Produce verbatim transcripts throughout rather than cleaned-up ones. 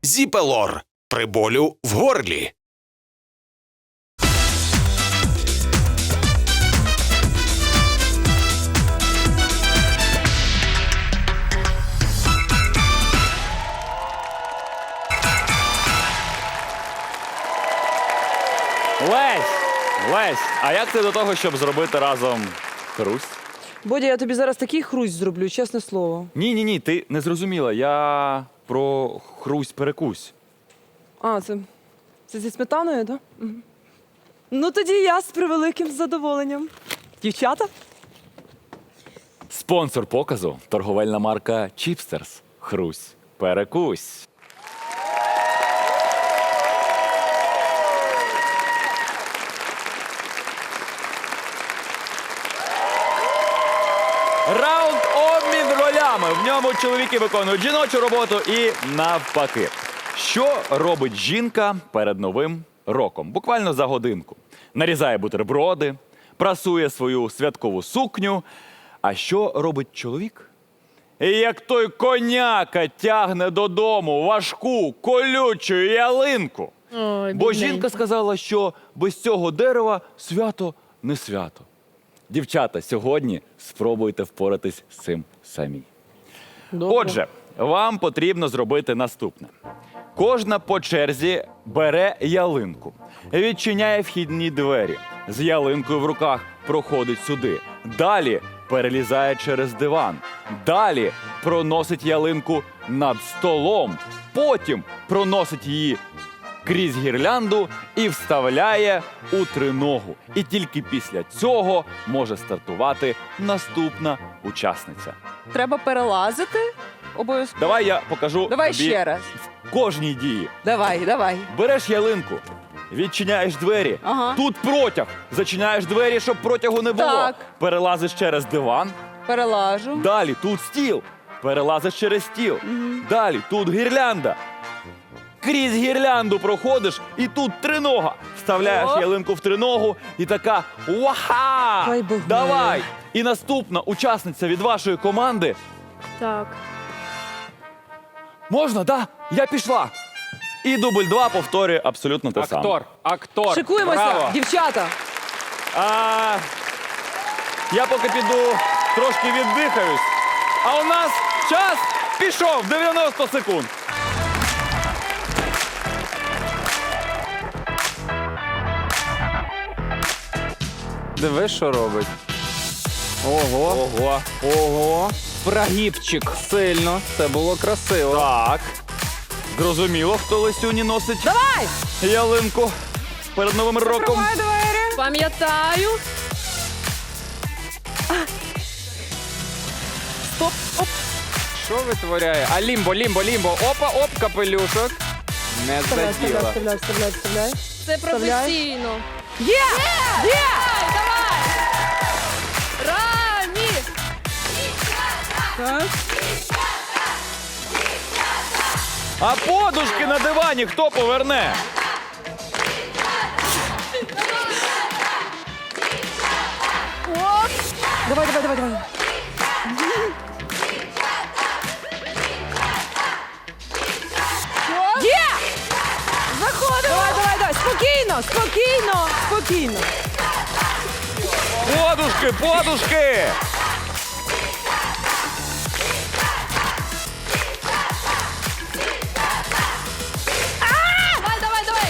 Зіпелор при болю в горлі. Лесь! Лесь, а як ти до того, щоб зробити разом хрусь? Бодя, я тобі зараз такий хрусь зроблю, чесне слово. Ні-ні-ні, ти не зрозуміла. Я про хрусь-перекусь. А, це, це зі сметаною, так? Да? Угу. Ну тоді я з превеликим задоволенням. Дівчата? Спонсор показу – торговельна марка Чіпстерс. Хрусь, перекусь. Раунд обмін ролями. В ньому чоловіки виконують жіночу роботу і навпаки. Що робить жінка перед Новим роком? Буквально за годинку. Нарізає бутерброди, прасує свою святкову сукню. А що робить чоловік? І як той коняка тягне додому важку, колючу ялинку. Ой, Бо бідненько. жінка сказала, що без цього дерева свято не свято. Дівчата, сьогодні спробуйте впоратись з цим самі. Добре. Отже, вам потрібно зробити наступне. Кожна по черзі бере ялинку, відчиняє вхідні двері, з ялинкою в руках проходить сюди. Далі перелізає через диван. Далі проносить ялинку над столом. Потім проносить її крізь гірлянду і вставляє у триногу. І тільки після цього може стартувати наступна учасниця. Треба перелазити обов'язково. Давай я покажу Давай тобі ще раз. в кожній дії. Давай, давай. Береш ялинку, відчиняєш двері, Ага. тут протяг, зачиняєш двері, щоб протягу не було. Так. Перелазиш через диван, Перелажу. далі тут стіл, перелазиш через стіл, далі тут гірлянда. Крізь гірлянду проходиш, і тут тринога. Вставляєш О. ялинку в триногу і така «Уаха! Хай Бог Давай!» милує. І наступна учасниця від вашої команди. Так. Можна, да? Я пішла. І дубль два повторює абсолютно те саме. Актор, актор. Шикуємося, Браво. дівчата. А, я поки піду трошки віддихаюсь. А у нас час пішов дев'яносто секунд. Диви, що робить. Ого. Ого. Ого. Прогибчик. Сильно. Це було красиво. Так. Зрозуміло, хто Лесюні носить Давай! ялинку перед Новим роком. Закривай двері. Пам'ятаю. Стоп, оп. Що витворяє? А лімбо, лімбо, лімбо. Опа, оп, капелюшок. Не Вставляй, заділа. вставляй, вставляй, вставляй. Це Вставляй. професійно. Є! Є! Давай, давай. Рамі. Так. А подушки на дивані хто поверне? Давай, давай, давай, давай. Є! Заходимо! Давай, давай, давай. Спокійно, спокійно, спокійно. Подушки, подушки! Давай, давай, давай.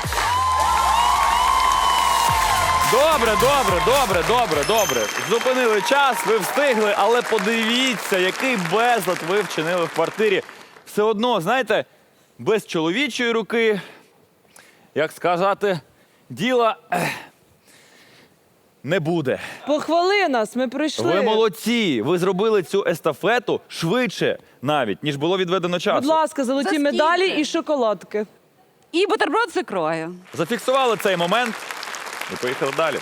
Добре, добре, добре, добре, добре. Зупинили час, ви встигли, але подивіться, який безлад ви вчинили в квартирі. Все одно, знаєте, без чоловічої руки, як сказати, діла ех, не буде. Похвали нас, ми прийшли. Ви молодці, ви зробили цю естафету швидше навіть, ніж було відведено часу. Будь ласка, золоті За скільки? медалі і шоколадки. І бутерброд з ікрою. Зафіксували цей момент і поїхали далі.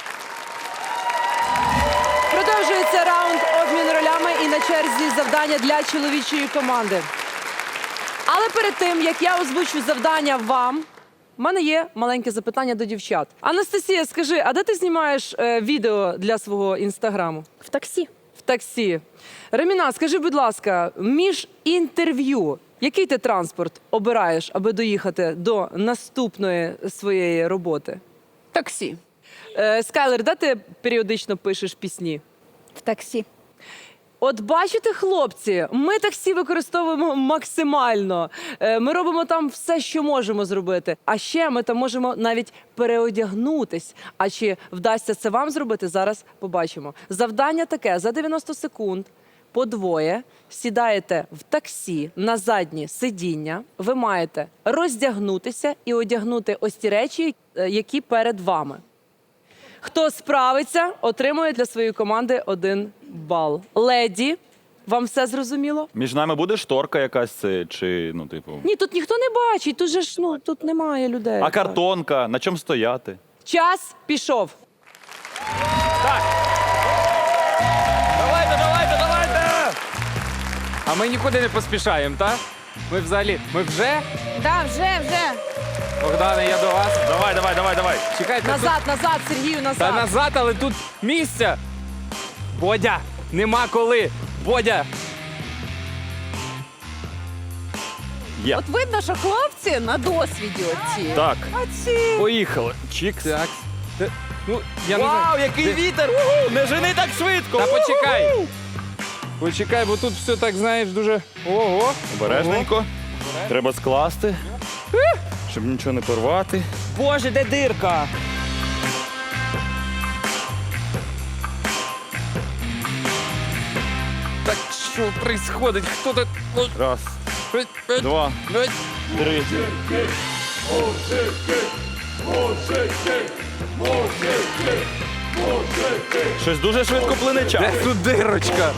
Продовжується раунд обмін ролями і на черзі завдання для чоловічої команди. Але перед тим, як я озвучу завдання вам, в мене є маленьке запитання до дівчат. Анастасія, скажи, а де ти знімаєш е, відео для свого інстаграму? В таксі. В таксі. Реміна, скажи, будь ласка, між інтерв'ю Який ти транспорт обираєш, аби доїхати до наступної своєї роботи? Таксі. Е, Скайлер, де ти періодично пишеш пісні? В таксі. От бачите, хлопці, ми таксі використовуємо максимально. Е, Ми робимо там все, що можемо зробити. А ще ми там можемо навіть переодягнутись. А чи вдасться це вам зробити, зараз побачимо. Завдання таке: за дев'яносто секунд по двоє сідаєте в таксі на заднє сидіння. Ви маєте роздягнутися і одягнути ось ті речі, е, які перед вами. Хто справиться, отримує для своєї команди один бал. Леді, вам все зрозуміло? Між нами буде шторка якась е, чи, ну, типу. Ні, тут ніхто не бачить, тут же ж ну тут немає людей. А картонка, на чому стояти? Час пішов. Давайте, давайте, давайте! А ми нікуди не поспішаємо, так? Ми взагалі. Ми вже? Да, вже, вже. Богдане, я до вас. Давай, давай, давай, давай. Чекайте. тут- Назад, назад, Сергію, назад. Та назад, але тут місця. Бодя, нема коли. Бодя. Є. От видно, що хлопці на досвіді оці. Так, А ці... поїхали. Чікс. Так. Та- Ну, я не знаю. Вау, який Ти- вітер! Уху! Не жени так швидко! Та Уху! почекай. Почекай, бо тут все так, знаєш, дуже. Ого. Обережненько. Треба скласти, щоб нічого не порвати. Боже, де дирка? Так що происходить? Хто тут? Ну, Раз, е, е, два, е. три. Щось дуже швидко плине час. Де тут дирочка?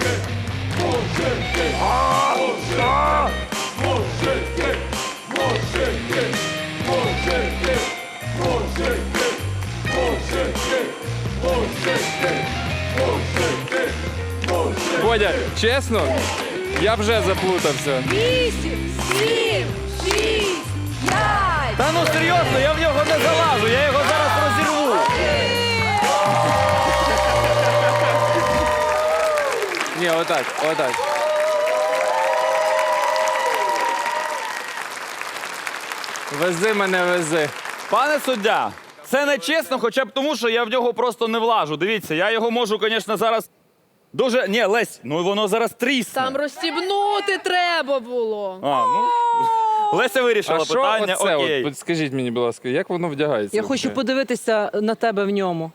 Бодя, чесно, я вже заплутався. Вісім, сім, шість, п'ять. Та ну серйозно, я в нього не залажу, я його зараз розірву. Ні, отак, отак. Вези мене, вези. Пане суддя, це не чесно, хоча б тому, що я в нього просто не влажу. Дивіться, я його можу, звісно, зараз дуже. Ні, Лесь, ну воно зараз трісне. Там розстібнути треба було. А, ну. Леся вирішила А що питання. оце? Окей. От, скажіть мені, будь ласка, як воно вдягається? Я хочу подивитися на тебе в ньому.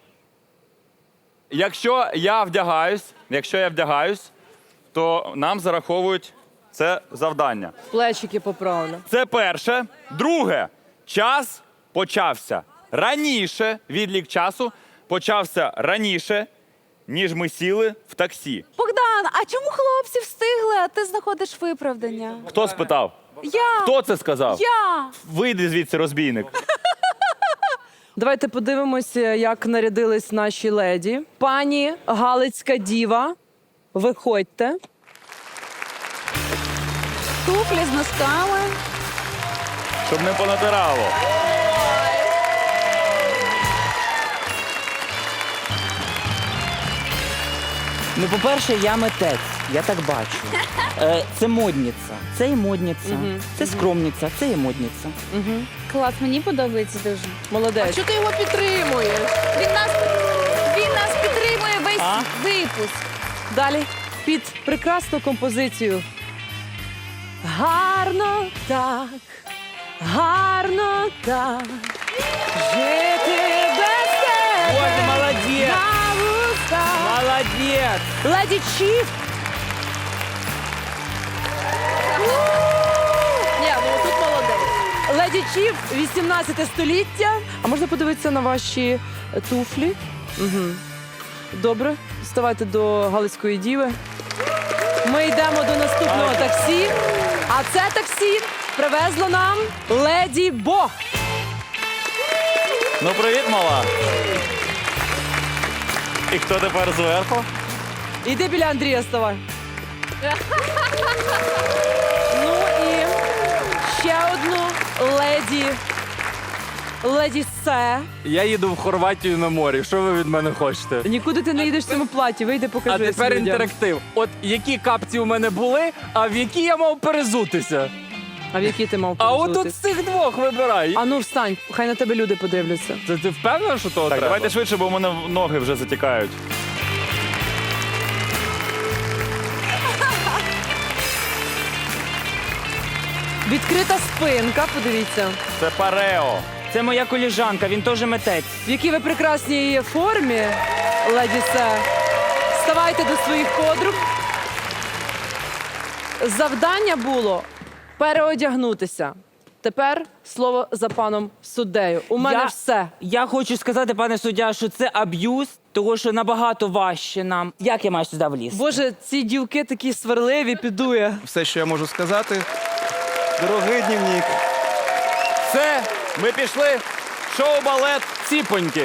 Якщо я вдягаюсь, якщо я вдягаюсь, то нам зараховують це завдання. Плечики поправлю. Це перше. Друге, час почався раніше, відлік часу почався раніше, ніж ми сіли в таксі. Богдан, а чому хлопці встигли, а ти знаходиш виправдання? Хто спитав? Я. Хто це сказав? Я. Вийди звідси, розбійник. Давайте подивимося, як нарядились наші леді. Пані Галицька діва, виходьте. Туфлі з носками. Щоб не понатирало. Ну, по-перше, я митець, я так бачу. Е, це модниця, це і модниця, це скромниця, це і модниця. Клас, мені подобається дуже. Молодець. Чого ти його підтримуєш? Він нас, він нас підтримує весь А? випуск. Далі під прекрасну композицію. Гарно так, гарно так, жити без тебе. Боже, молодець! На вустах. Молодець! Леді Чіф. Ні, ну тут молодець. Леді Чіф, вісімнадцяте століття. А можна подивитися на ваші е, туфлі? Угу. Добре, вставайте до Галицької діви. Ми йдемо до наступного таксі. А це таксі привезло нам Леді Бо. Ну, привіт, мала. І хто тепер зверху? Іди біля Андрія, ставай. Ну і ще одну леді Леді Се. Я їду в Хорватію на морі. Що ви від мене хочете? Нікуди ти не їдеш в цьому платі, вийди, А покажи тепер людям. інтерактив. От які капці у мене були, а в які я мав перезутися. А в які ти мав А от перезутись? тут з цих двох вибирай. А ну встань, хай на тебе люди подивляться. Це ти впевнена, що того Так, треба? давайте швидше, бо у мене ноги вже затікають. Відкрита спинка, подивіться. Це парео. Це моя коліжанка, він теж митець. В якій ви прекрасній формі, леді Се. Ставайте до своїх подруг. Завдання було переодягнутися. Тепер слово за паном суддею. У мене Я- все. Я хочу сказати, пане суддя, що це аб'юз, тому що набагато важче нам. Як я маю сюди влізти? Боже, ці дівки такі сварливі, підує. Все, що я можу сказати. Дорогий дневник. Все, ми пішли. Шоу-балет «Ціпоньки».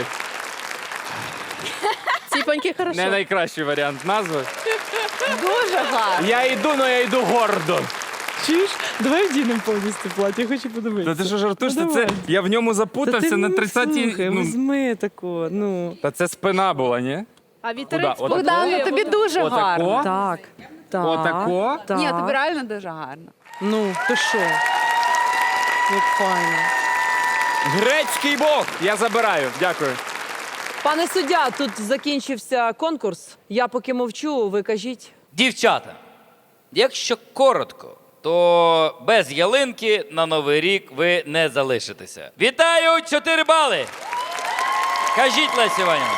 Ціпоньки хорошо. Не найкращий варіант назви. Дуже гарно. Я йду, але я йду гордо. Чуєш? Давай вдінемо повністю платі, я хочу Та подивитися. ти що жартуєш? Ну, Та це давай. я в ньому запутався на тридцятій. Слухай, Ну, візьми тако, ну. та це спина була, ні? А Куда? вітерець Отако? Богдан, ну тобі дуже Отако? гарно. Так, так. Отако? Так. Ні, тобі реально дуже гарно. Ну, ти що? Як файно. Грецький бог. Я забираю, дякую. Пане суддя, тут закінчився конкурс. Я поки мовчу, ви кажіть. Дівчата, якщо коротко, то без ялинки на Новий рік ви не залишитеся. Вітаю! чотири бали! Кажіть, Леся Іванівна.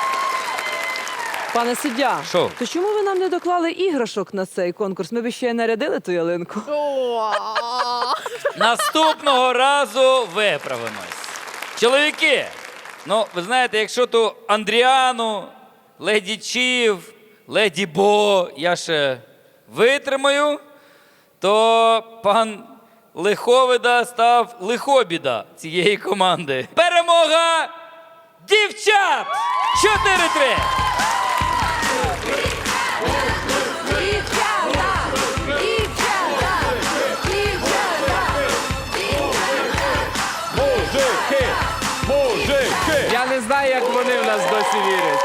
Пане суддя, Що? то чому ви нам не доклали іграшок на цей конкурс? Ми б ще й нарядили ту ялинку. Наступного разу виправимось. Чоловіки, ну, ви знаєте, якщо ту Андріану, Леді Чів, Леді Бо я ще витримаю, то пан Лиховида став лихобіда цієї команди. Перемога дівчат! чотири-три! Мужики! Мужики! Я не знаю, як вони в нас досі вірять.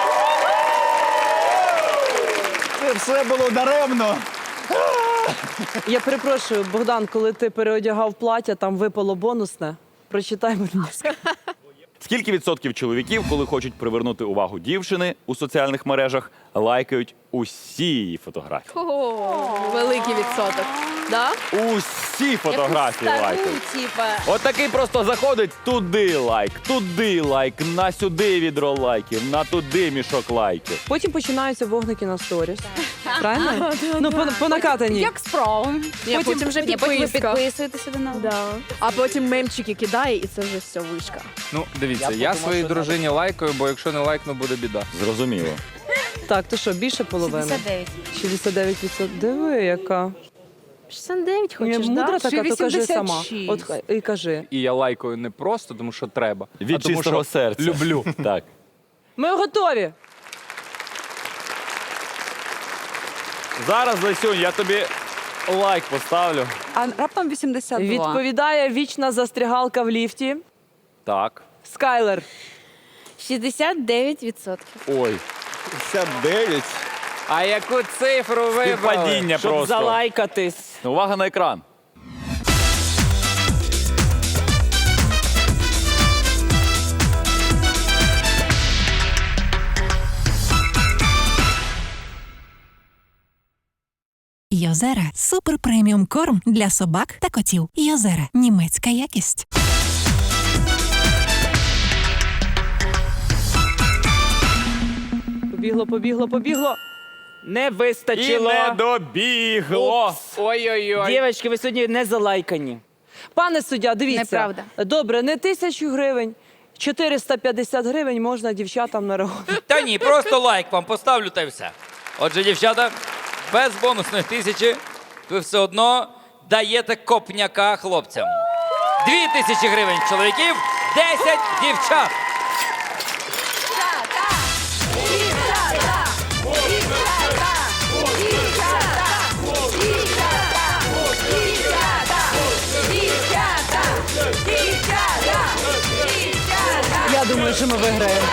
Це все було даремно. Я перепрошую, Богдан, коли ти переодягав плаття, там випало бонусне. Прочитай, будь ласка. Скільки відсотків чоловіків, коли хочуть привернути увагу дівчини у соціальних мережах, лайкають усі її фотографії? О, великий відсоток. Да? Усі фотографії Стару, лайкають. типа. От такий просто заходить, туди лайк, туди лайк, на сюди відро лайків, на туди мішок лайків. Потім починаються вогники на сторіс. Правильно? Ну, по, по накатаній. Як справи? Ні, потім вже Ні, потім ви підписка. підписуєтеся до нас. Да. А потім мемчики кидає, і це вже все вишка. Ну, дивіться, я, своїй дружині лайкаю, бо якщо не лайкну, буде біда. Зрозуміло. Так, то що, більше половини? шістдесят дев'ять. шістдесят дев'ять відсотків. Диви, яка. шістдесят дев'ять Я хочеш, мудра да? така, то кажи сама. вісімдесят шість. От хай- і кажи. І я лайкаю не просто, тому що треба. Від а тому, чистого що серця. люблю. Так. Ми готові. Зараз, Лесюнь, я тобі лайк поставлю. А раптом вісімдесят два. Відповідає вічна застрягалка в ліфті. Так. Скайлер. шістдесят дев'ять відсотків. Ой. п'ятдесят дев'ять. А яку цифру вибрали? Співпадіння Щоб просто. залайкатись. Увага на екран. Йозера – супер преміум корм для собак та котів. Йозера – німецька якість. Побігло, побігло, побігло. Не І вистачило. не добігло. Ой-ой-ой. Дівчатки, ви сьогодні не залайкані. Пане суддя, дивіться. Неправда. Добре, не тисячу гривень. чотириста п'ятдесят гривень можна дівчатам нарахувати. Та ні, просто лайк вам поставлю та й все. Отже, дівчата, без бонусної тисячі ви все одно даєте копняка хлопцям. Дві тисячі гривень чоловіків, десять дівчат. Дівчата! Дівчата! Дівчата! що ми виграємо.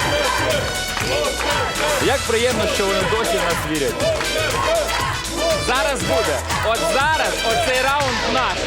Як приємно, що вони досі в нас вірять. Зараз буде. От зараз, оцей раунд наш.